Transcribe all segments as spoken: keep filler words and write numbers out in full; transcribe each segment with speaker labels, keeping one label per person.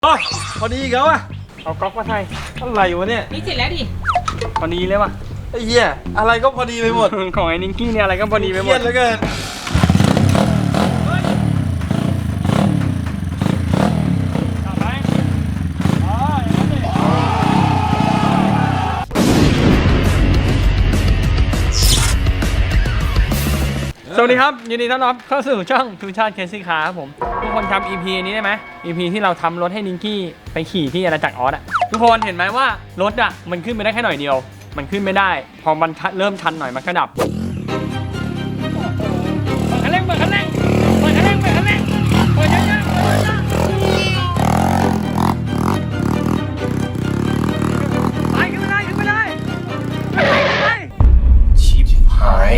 Speaker 1: โอ้ยพอดีแล้วอะเอาก๊อกมาใส่อะไรวะเนี่ย
Speaker 2: นี่เสร็จแล้วดิ
Speaker 1: พอดีเลยว่ะไอ้เหี้ยอะไรก็พอดีไปหมด ของไอ้นิงกี้เนี่ยอะไรก็พอดีไปหมดเครียดเหลือเกินสวัสดีครับยินดีต้อนรับเข้าสู่ช่องทูชาติเคซี่คาร์ครับผมทุกคนจำ อี พี นี้ได้ไหม อี พี ที่เราทำรถให้นิงกี้ไปขี่ที่อาณาจักรออสอะทุกคนเห็นไหมว่ารถอะมันขึ้นไปได้แค่หน่อยเดียวมันขึ้นไม่ได้พอมันเริ่มชันหน่อยมันก็ดับเปิดคันเร่งเปิดคันเร่งเปิดคันเร่งเปิดคันเร่งเปิดเยอะๆเปิดเยอะๆไปขึ้นไม่ได้ขึ้นไม่ได้ขึ้นไปขึ้นไปชิบหาย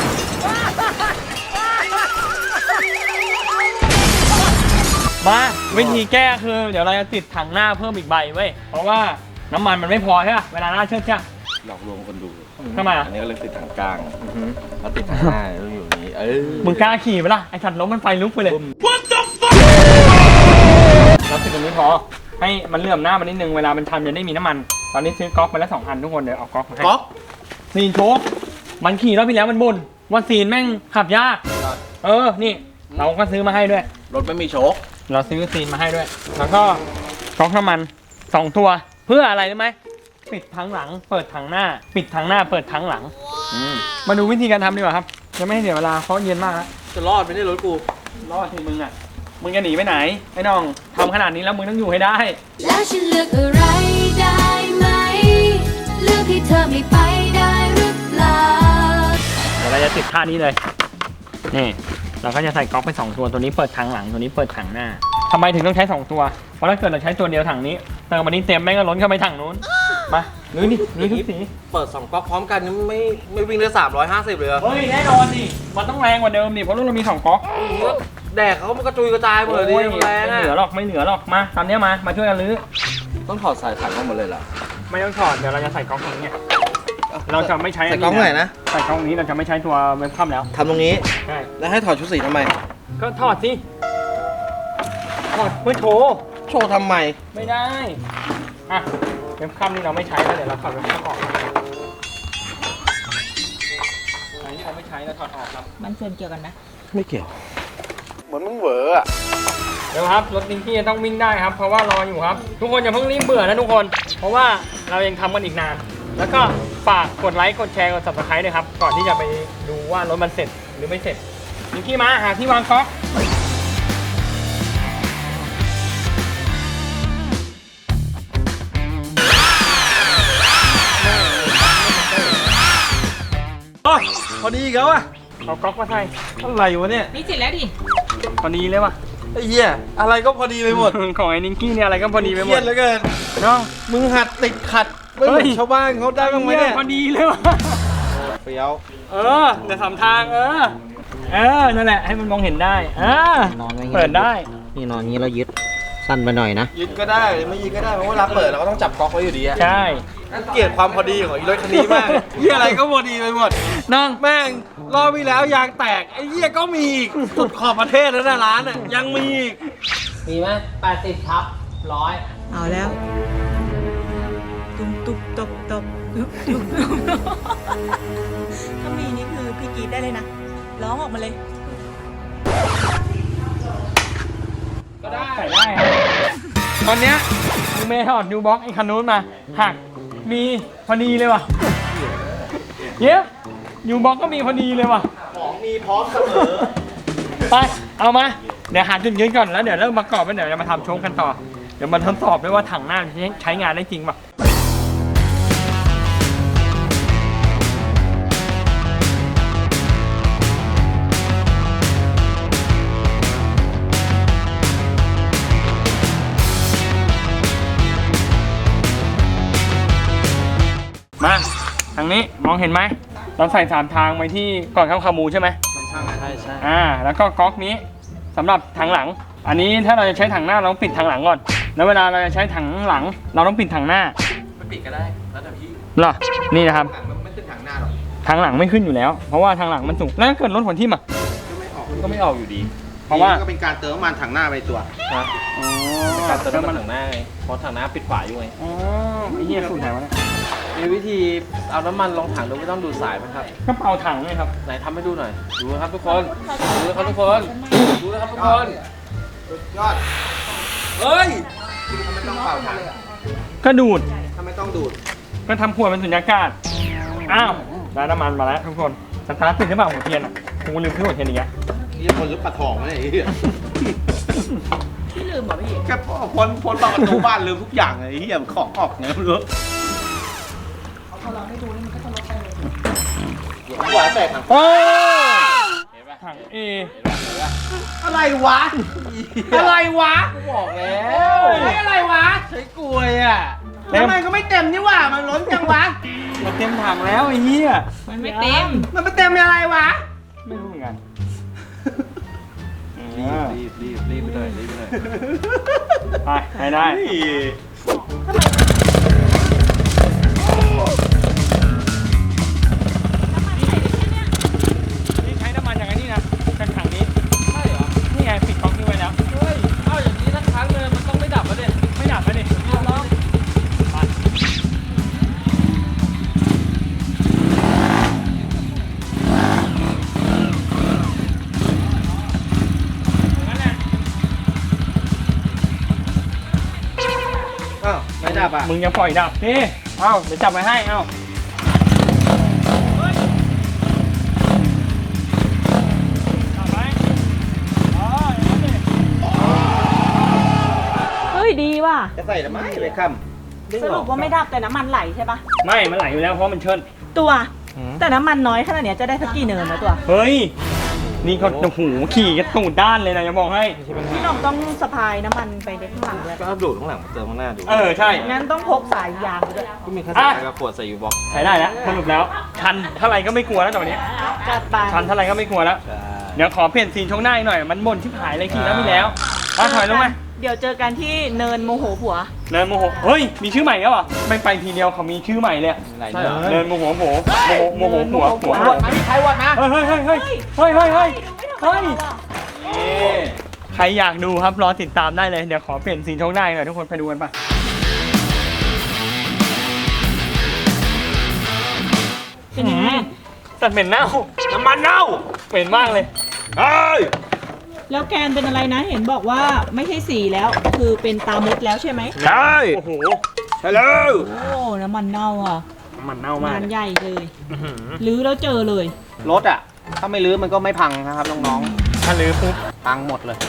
Speaker 1: มาวิธีแก้คือเดี๋ยวเราจะติดถังหน้าเพิ่มอีกใบเว้ยเพราะว่าน้ำมันมันไม่พอใช่ป่ะเวลาหน้าเชิดใช่
Speaker 3: หลอกลวงคนดู
Speaker 1: ทำไมอ่ะ
Speaker 3: อันนี้ก็เลยติดถังกลางแล้วติดถังหน้าแล้วอยู่นี้เออ
Speaker 1: มึงกล้าขี่ไหมล่ะไอ้สัตว์ล้มมันไฟลุกไปเลย What the fuck เราติดตรงนี้พอให้มันเลื่อมหน้ามันนิดนึงเวลามันชันจะได้มีน้ำมันตอนนี้ซื้อก๊อกมาแล้วสองอันทุกคนเดี๋ยวเอาก๊อกมาให้
Speaker 3: ก๊อก
Speaker 1: ซีนโชคมันขี่รอบที่แล้วมันบ่นว่าซีนแม่งขับยากเออนี่เราก็ซื้อมาให้ด้วย
Speaker 3: รถไม่มีโชค
Speaker 1: เราซื้อซีนมาให้ด้วยแล้วก็ก๊อกน้ำมันสองตัวเพื่ออะไรรู้ไหมปิดทั้งหลังเปิดทั้งหน้าปิดทั้งหน้าเปิดทั้งหลังมาดูวิธีการทำดีกว่าครับจะไม่ให้เสียเวลาเพราะเย็นมากแล้ว
Speaker 3: จะรอดไม่ได้รถกู
Speaker 1: รอดที่มึงอ่ะมึงจะหนีไปไหนไอ้น้องทำขนาดนี้แล้วมึงต้องอยู่ให้ได้
Speaker 4: แล้วฉันเลือกอะไรได้ไหมเลือกให้เธอไม่ไปได้หรือเปล่า
Speaker 1: เดี๋ยวเราจะติดท่านี้เลยนี่เราก็จะใส่ก๊อกไปสองตัวตัวนี้เปิดถังหลังตัวนี้เปิดถังหน้าทำไมถึงต้องใช้สองตัวเพราะถ้าเกิดเราใช้ตัวเดียวถังนี้เติมวันนี้เต็มแม่งก็ล้นเข้าไปถังนู้นมาหรือนี่หรือทุกสี
Speaker 3: เปิดสองก๊อกพร้อมกันไม่ไม่วิ่งได้สามร้อยห้าสิบเลย
Speaker 1: เฮ้ยแน่นอนดิมันต้องแรงกว่าเดิมดิเพราะรุ่นเรามีสองก๊อก
Speaker 3: แดกเขามันกระจุยกระจายหมดเลยดิแรง
Speaker 1: ไม่เหลือหรอกไม่เหลือหรอกมาตอนนี้มามาช่วยกันรื้อ
Speaker 3: ต้องถอดสายถังออกหมดเลยเหรอ
Speaker 1: ไม่ต้องถอดเดี๋ยวเราจะใส่ก๊อกตรงนี้เราจะไม่ใช้
Speaker 3: ใส่ก๊อกไหนนะ
Speaker 1: ใส่ก๊อกนี้เราจะไม่ใช้ตัวเว็บคัมแล้ว
Speaker 3: ทำตรงนี้
Speaker 1: ใช่
Speaker 3: แล้วให้ถอดชุดสีทำไม
Speaker 1: ก็ถอดสิถอดเพื่อโชว์
Speaker 3: โชว์ทำไม
Speaker 1: ไม่ได้อ่ะเว็บคัมนี่เราไม่ใช้แล้วเดี๋ยวเราถอดเว็บคัมออกอันนี้เราไม่ใช้เราถอดออกครับ
Speaker 2: มันส่วนเกี่ยวกันนะ
Speaker 3: ไม่เกี่ยวเหมือนมึงเหวออะ
Speaker 1: เดี๋ยวครับรถนิงกี้ต้องวิ่งได้ครับเพราะว่ารออยู่ครับทุกคนอย่าเพิ่งรีบเบื่อนะทุกคนเพราะว่าเรายังทำกันอีกนานแล้วก็ฝากกดไลค์กดแชร์กด ซับสไครบ์ ด้วยครับก่อนที่จะไปดูว่ารถมันเสร็จหรือไม่เสร็จนิงกี้มาหาที่วางก๊อกโอ้ยพอดีแล้วอะเอาก๊อกมาใส่อะไรวะเนี่ย
Speaker 2: นี่เสร็จแล้วดิ
Speaker 1: พอดีเลยว่ะ
Speaker 3: ไอ้เหี้ยอะไรก็พอดีไปหมด
Speaker 1: ของไอ้นิงกี้เนี่ยอะไรก็พอดีไปหมด
Speaker 3: เครียดเหลือเกิน
Speaker 1: น้อง
Speaker 3: มึงหัดติดขัดไม่เหมือนชาวบ้านเขาได้บ้างไหมเนี่ย
Speaker 1: พอดีเลยว่ะ
Speaker 3: เฟี้ยว
Speaker 1: เออเดี๋ยวทำทางเออเออนั่นแหละให้มันมองเห็นได้เออนอนเปิดได้
Speaker 5: นี่นอนนี้เรายึดสั้นไปหน่อยนะ
Speaker 3: ยึดก็ได้ไม่ยึดก็ได้เพราะว่าเราเปิดเราก็ต้องจับก๊อกไว้อยู่ดีอะ
Speaker 1: ใช่
Speaker 3: เกลียดความพอดีของอีรถคันนี้มากเหี้ยอะไรก็พอดีไปหมด
Speaker 1: นั่ง
Speaker 3: แม่งรอบที่แล้วยางแตกไอ้เหี้ยก็มีอีกสุดขอบประเทศแล้วนะร้านอ่ะยังมีอีก
Speaker 5: มีไหมแปดสิบทับร้อย
Speaker 2: เอาแล้วตุ๊บตุ๊บตบตบตุ๊บตุ๊บถ้ามีนี่คือพี่กีดได้เลยนะร้องออกมาเลย
Speaker 1: ก็ได้ใส่ได้ครับตอนเนี้ยมึงเมย์ถอดยูบ็อกไอ้คันนู้นมาหักมีพอดีเลยว่ะเย้ยูบ็อกก็มีพอดีเลยว่ะ
Speaker 3: ของมีพร้อมเสมอ
Speaker 1: ไปเอามาเดี๋ยวหาจุดยืนก่อนแล้วเดี๋ยวเริ่มประกอบแล้วเดี๋ยวจะมาทำโชว์กันต่อเดี๋ยวมาทดสอบด้วยว่าถังหน้าใช้งานได้จริงป่ะมาทางนี้มองเห็นไหมเราใส่สามทางไว้ที่ก่อนเข้าคามูใช่ไหม
Speaker 3: ใช่ใช่ใช่
Speaker 1: อ่าแล้วก็ก๊อกนี้สำหรับถังหลังอันนี้ถ้าเราจะใช้ถังหน้าเราต้องปิดถังหลังก่อนแล้วเวลาเราจะใช้ถังหลังเราต้องปิดถังหน้า
Speaker 3: ไม่ปิดก็ได้แล้วแต่พี่
Speaker 1: เหรอนี่นะครับ
Speaker 3: ไม่ขึ้นถังหน้าหรอก
Speaker 1: ถังหลังไม่ขึ้นอยู่แล้วเพราะว่าถังหลังมันสูงแล้วเกิดรถหัวทิ่มอ่ะ
Speaker 3: ก็ไม่ออกก็ไม่ออกอยู่ดี
Speaker 1: เพราะว่า
Speaker 3: ก็เป็นการเติมน้ำมันถังหน้าไปตัว
Speaker 1: อ๋อ
Speaker 3: การเติมน้ำมันถังหน้าไงเพราะถังหน้าปิดฝาอยู่ไง
Speaker 1: อ๋อไอ้เหี้ยสูตรไหนวะเนี่ย
Speaker 3: มีวิธีเอาน้ำมันลงถังโดยไม่ต้องดูดสายไหมครับ
Speaker 1: ก็เป่าถังไงครับ
Speaker 3: ไหนทำให้ดูหน่อย ดูนะครับทุกคน ดูนะครับทุกคน ดูนะครับทุกคน ยอด เฮ้ยทำไมต้องเป่าถัง
Speaker 1: ก็ดูด
Speaker 3: ทำไมต้องดูด
Speaker 1: ก็ทำขวดเป็นสุญญากาศ อ้าว ได้น้ำมันมาแล้วทุกคน สตาร์ทติดหรือเปล่าหัวเทียนอ่ะผมลืมซื้อหัวเทียนอีกแล้ว
Speaker 3: นี่คนหรือปลาทองวะเนี่ยไอ้เหี้ย
Speaker 2: พี่ลืมเหรอพี่
Speaker 3: แค่พ้นพ้นประตูบ้านลืมทุกอย่างเลยไอ้เหี้ยของออกไงไม่รู้หัวแตกถัง
Speaker 1: โอ้ถังเอ
Speaker 3: อะไรวะ อะไรวะบอกแล้วใช้อะไรวะ ใช้กลวยอ่ะทำไมก็ไม่เต็มนี่หว่า มันล้นจังวะ
Speaker 1: มันเต็มถังแล้วไอ้เหี้ย
Speaker 2: มันไม่เต็ม
Speaker 3: มันไม่เต็มอะไรวะ
Speaker 1: ไม่รู้เหมือนกัน
Speaker 3: รีบรีบรีบไปเลยรีบไปเลย
Speaker 1: ไปไปได้ นี่ใช้น้ำมันอย่างนี้นะจากถังนี้
Speaker 3: ใช่เหรอ
Speaker 1: นี่ไงปิดก๊อกนี้ไว้แล้ว
Speaker 3: เฮ้ยเอาอย่างนี้สักครั้งเลยมันต้องไม่ดับแล้วเนี่ย
Speaker 1: ไม่ดับแล้วดิลองไปนั่นแหละ
Speaker 3: อ้าวไม่ดับอ่ะ
Speaker 1: มึงยังปล่อยดับนี่เอ้าเดี๋ยวจับไว้ให้ เอ้าจับไว้อ๋ออย่างนั้นดิ
Speaker 2: เฮ้ยดีว่ะ
Speaker 3: จะใส่ทำไมไปค่ำ
Speaker 2: สรุปว่าไม่ดับแต่น้ำมันไหลใช่ปะ
Speaker 1: ไม่ มันไหลอยู่แล้วเพราะมันเชิญ
Speaker 2: ตัว แต่น้ำมันน้อยขนาดเนี้ยจะได้สักกี่เนินนะตัว
Speaker 1: เฮ้ย นี่เขาโอ้โหขี่กันตูดด้านเลยนะจะบอกให้
Speaker 2: พี่น้องต้องสะพายน้ำมันไปในข้างหลังด้วย
Speaker 3: ก็เอาดูดข้างหลังมาเติมข้างหน้าดู
Speaker 1: เออ ใช่
Speaker 2: งั้นต้องพกสายยางไปด้วย
Speaker 3: ก็มีแค่ใส่กระขวดใส่อยู่บล็อก
Speaker 1: ใช้ได้แล้วสรุปแล้ว ชันเท่าไหร่ก็ไม่กลัวแล้วตอนนี้
Speaker 2: จัดไป
Speaker 1: ชันเท่าไหร่ก็ไม่กลัวแล้ว
Speaker 3: ใช่
Speaker 1: เดี๋ยวขอเปลี่ยนซีนช่วงหน้าอีกหน่อย มันบ่นชิบหายเลยขี่แล้วมีแล้วอ่ะถอยลงมา
Speaker 2: เดี๋ยวเจอกันที่เนินโมโหผัว
Speaker 1: เนินโมโห เฮ้ย มีชื่อใหม่แล้วเหรอไม่ไปทีเดียวเขามีชื่อใหม่เลย
Speaker 3: ใช่เหรอ
Speaker 1: เนินโมโหโหโมโหโมโหหัวหัว
Speaker 3: วัดมาใครวัดมา
Speaker 1: เฮ้ยเฮ้ยเฮ้ยเฮ้ยเฮ้ยเฮ้ยเฮ้ยเฮ้ย
Speaker 3: เอ๊ะ
Speaker 1: ใครอยากดูครับรอติดตามได้เลย เดี๋ยวขอเปลี่ยนซีนช่วงหน้าอีกหน่อยทุกคนไปดูกันปะเป็นยังไงสัตว์เหม็นเน่า น้ำมันเน่าเหม็นมากเลยเฮ้ย
Speaker 2: แล้วแกนเป็นอะไรนะ เห็นบอกว่าไม่ใช่สีแล้ว คือเป็นตามดแล้วใช่ไหม
Speaker 1: ใช่โอ้โหใช่แล้ว
Speaker 2: โอ้น้ำมันเน่าอ่ะ
Speaker 1: น้ำมันเน่ามาก
Speaker 2: งานใหญ่เลยรื้อแล้วเจอเลย
Speaker 3: รถอ่ะ ถ้าไม่รื้อมันก็ไม่พังนะครับน้อง
Speaker 1: ถ้าลือปุ๊บ
Speaker 3: ๆ พังหมดเลย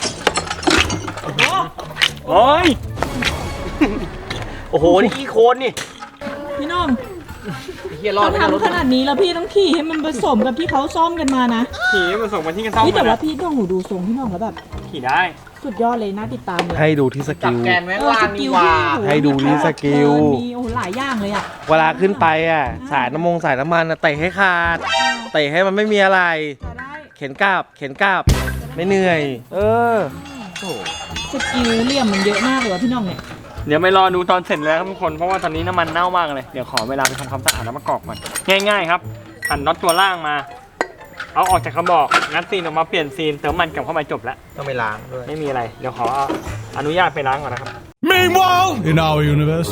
Speaker 1: โอ้ย
Speaker 3: โอ้โห นี่ขี้โคนนี่
Speaker 2: พี่น้อง
Speaker 3: เฮียรอด
Speaker 2: ต้อง
Speaker 3: ไม่ได้รถ
Speaker 2: ทำขนาดนี้แล้วพี่ต้องขี่ให้มันผสมกับที่เขาซ่อมกันมานะ
Speaker 1: ขี่มันส่งมาที่กันซ่อม
Speaker 2: นี่แต่
Speaker 1: มา
Speaker 2: ว่าพี่ต้องหูดูทรงพี่น้องแล้วแบบ
Speaker 1: ขี่ได้
Speaker 2: สุดยอดเลยน่าติดตามเลย
Speaker 6: ให้ดูที่ส
Speaker 3: จับ
Speaker 6: กิล
Speaker 3: แกนไว้
Speaker 2: เออ
Speaker 3: ล่า
Speaker 2: ส
Speaker 3: ง
Speaker 2: กิ
Speaker 3: นี่
Speaker 2: ล
Speaker 3: หว่า
Speaker 2: พี่
Speaker 6: ให้ดูนี่สกิล
Speaker 2: เออมีโอ้โหหลายอย่างเลยอ่ะ
Speaker 6: เวลาขึ้นไปอ่ะ สายน้ำมงสายน้ำมันอ่ะเตะให้ขาด เตะให้มันไม่มีอะไร
Speaker 2: จะได้
Speaker 6: เข็นกลับ เข็นกลับ ไม่เหนื่อย เออ
Speaker 2: สกิลเหลี่ยมมันเยอะมากเลยว่ะพี่น้องเนี่ย
Speaker 1: เดี๋ยวไปรอดูตอนเสร็จแล้วครับทุกคน เพราะว่าตอนนี้น้ำมันเน่ามากเลย เดี๋ยวขอเวลาไปทำความสะอาดแล้วมากรอกก่อนง่ายๆครับหันน็อตตัวล่างมา เอาออกจากกระบอก งัดซีนออกมาเปลี่ยนซีน เติมมันกลับเข้ามาจบแล้ว
Speaker 3: ต้องไปล้างด้วย
Speaker 1: ไม่มีอะไร เดี๋ยวขออนุญาตไปล้างก่อนนะครับ
Speaker 7: Meanwhile, in our universe.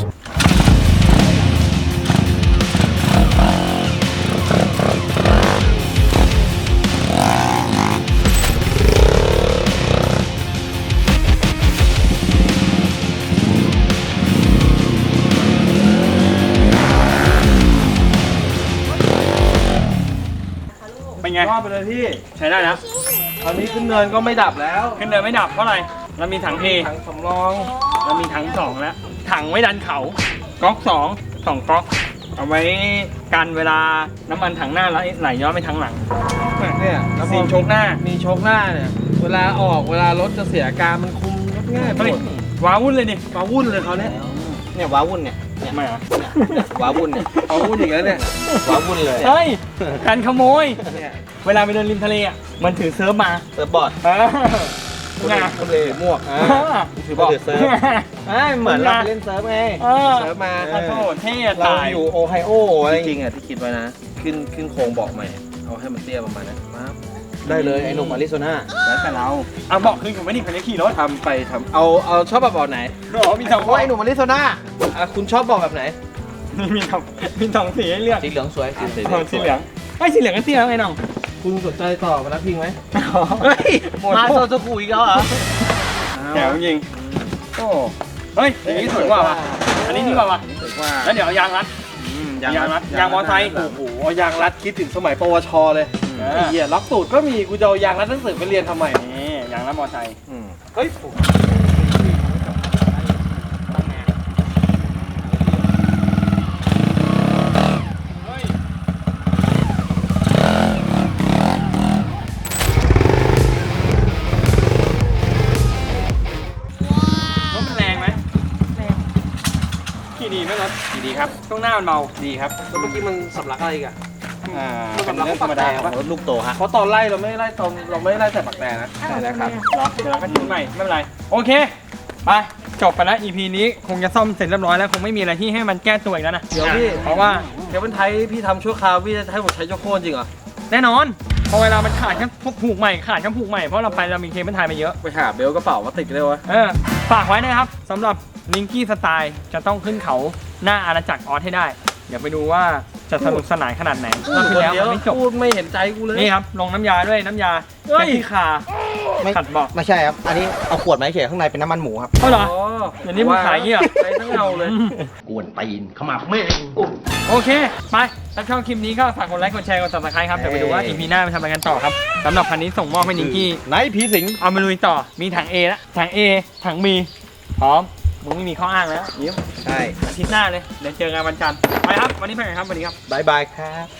Speaker 1: เป็นไง
Speaker 3: รอดไปเลยพี่
Speaker 1: ใช้ได้แล้ว
Speaker 3: ตอนนี้ขึ้นเนินก็ไม่ดับแล้ว
Speaker 1: ขึ้นเดินไม่ดับเพราะอะไร เรามีถัง A
Speaker 3: ถังสำรอง
Speaker 1: เรามีถังสองแล้ว ถังไว้ดันเขาก๊อกสองสองก๊อก เอาไว้กันเวลาน้ำมันถังหน้าแล้วไหลย้อนไปทางหลัง
Speaker 3: เนี่ยแล้วพ
Speaker 1: ซี
Speaker 3: อน
Speaker 1: โชกหน้า
Speaker 3: มีโชกหน้าเนี่ย เวลาออกเวลารถจะเสียอาการมันคุมรถง่ายหม
Speaker 1: เฮ้ย
Speaker 3: ด
Speaker 1: ว้าวุ่นเลยดิ
Speaker 3: มาวุ่นเลยเขาเนี่ย
Speaker 5: เนี่ยว้าวุ่นเนี่ย
Speaker 1: ทำไมอ่ะ
Speaker 5: ว้าวุ่นเนี่ย
Speaker 3: เอาวุ่นอีกแล้วเนี่ย
Speaker 5: ว้าวุ่นเลย
Speaker 1: เฮ้ยการขโมย
Speaker 3: เนี่ย
Speaker 1: เวลาไปเดินริมทะเลอ่ะ มันถือเซิร์ฟมา
Speaker 5: เซิร์ฟบอร์ด
Speaker 1: เออไง
Speaker 3: ทะเลหมวก
Speaker 1: เออ
Speaker 3: ถือบอก
Speaker 5: เซิร์ฟอ่าเหมือนเราไปเล่นเซิร์ฟไง
Speaker 1: เออ
Speaker 3: เซิร์ฟมา
Speaker 1: โอ้โหเท่อะ
Speaker 3: เรา
Speaker 1: ตาย
Speaker 3: อยู่โอไฮโออะไรจริงๆอ่ะที่คิดไว้นะ ขึ้นขึ้นโครงเบาะใหม่ เอาให้มันเตี้ยประมาณนั้นมา
Speaker 5: ได้เลยไอ้หนุ่มอาริโซนา
Speaker 3: แล้วแต่เรา
Speaker 1: เอาบอกคืนผมไม่นี่ผมจะขี่รถ
Speaker 5: ทำไปทำเอาเอาชอบแบบแบบไหน
Speaker 1: อ๋อมีสอง
Speaker 5: เพราะไอ้หนุ่มอาริโซนาอ่ะคุณชอบบอกแบบไหน
Speaker 1: มีมีสองมีสองสีให้เลือก
Speaker 5: สีเหลืองสวยสีเหลื
Speaker 1: อ๋อสีเหลืองไอ้ยสีเหลืองก็สีแล้วไงน้อง
Speaker 5: คุณสนใจต่อมารับพิงไหม
Speaker 3: เฮ้ย
Speaker 1: หมด
Speaker 3: มาโซจูกุอีกแล้วเหรอ
Speaker 1: แถวจริงโอ้เฮ้ยอย่างนี้สวยกว่าว่ะอันนี้ดีกว่าว่ะ
Speaker 3: สวยกว่า
Speaker 1: แล้วเดี๋ยวเอายางรัดยางรัดยางมอไซค์
Speaker 6: โอ้โหเอายางรัดคิดถึงสมัยปวชเลยไอ้เหี้ยล็อกตูดก็มีกูจะเอายางรัดหนังสือไปเรียนทำไม
Speaker 1: นี่ยางรัดมอไซค์
Speaker 6: เฮ้ย
Speaker 1: รถมันแรงไหมขี่ดีไหมรถขี่ดีครับช่วงหน้ามันเบาดีครับ
Speaker 5: แล้วเมื่อกี้มันสำลักอะไรอีกอะ
Speaker 1: อ่า
Speaker 5: มัน
Speaker 1: เป็น
Speaker 5: สำลัก
Speaker 1: เรื่องธรรมดา
Speaker 5: ปะรถลูกโตฮะ
Speaker 6: เพราะตอนไล่เราไม่ได้ไล่ตอนเราไม่ได้ไล่แต่ปักแตนะ
Speaker 5: ใช่แล้วครับ
Speaker 1: เหรอเดี๋ยวเราก็ทิ้งใหม่ไม่เป็นไรโอเคไปจบไปแล้ว อี พี นี้คงจะซ่อมเสร็จเรียบร้อยแล้วคงไม่มีอะไรที่ให้มันแก้ตัวอีกแล้วนะ
Speaker 6: เดี๋ยวพี่
Speaker 1: เพราะว่า
Speaker 6: เดี๋ยวเป็นไทยพี่ทำชั่วคราวพี่จะให้ผมใช้ชั่วโคตรจริงเหรอ
Speaker 1: แน่นอนพอเวลามันขาดแค่ผูกใหม่ขาดแค่ผูกใหม่เพราะเราไปเรามีเคเบิลไทยมาเยอะ
Speaker 6: ไปหาเบลกระเป๋ามาติดเลยวะ
Speaker 1: เออฝากไว้นะครับสำหรับลิงกี้สไตล์จะต้องขึ้นเขาหน้าอาณาจักรออสให้ได้ เดี๋ยวไปดูว่าจะสนุกสนานขนาดไหนรอบ
Speaker 6: ค
Speaker 1: ที่
Speaker 6: น
Speaker 1: แล้ว
Speaker 6: เดียว
Speaker 1: มันไม่จบ
Speaker 6: พูดไม่เห็นใจกูเลย
Speaker 1: นี่ครับลงน้ำยาด้วยน้ำยา
Speaker 6: เฮ้ย
Speaker 1: แก้ที่คา
Speaker 5: ไม่
Speaker 1: ขัดเบอก
Speaker 5: ไม่ใช่ครับ อันนี้เอาขวดมาเฉยข้างในเป็นน้ำมันหมูครับ
Speaker 1: เท่าเหรอ
Speaker 6: อ๋อ
Speaker 1: เดี๋ยวนี้มึงขายอย่างงี้เหรอ
Speaker 6: ใช้ทั้งเงาเลย
Speaker 5: กวนตีนขมับแม่ง
Speaker 1: โอเค ไปถ้าชอบคลิปนี้ก็ฝากกดไลค์กดแชร์กด ซับสไครบ์ครับเดี๋ยวไปดูว่า อี พี หน้าไปทำอะไรกันต่อครับสำหรับคันนี้ส่งมอบให้นิงกี้
Speaker 6: ไหนผีสิง
Speaker 1: เอามาลุยต่อมีถัง A แล้วถัง A ถัง B พร้อมมึงไม่มีข้ออ้างแล้วยิ้ม
Speaker 5: ใช่
Speaker 1: อาทิตย์หน้าเลยเดี๋ยวเจอกันวันจันทร์ไปครับวันนี้ไปกันครับสวัสดีครับ
Speaker 5: บายบายครับ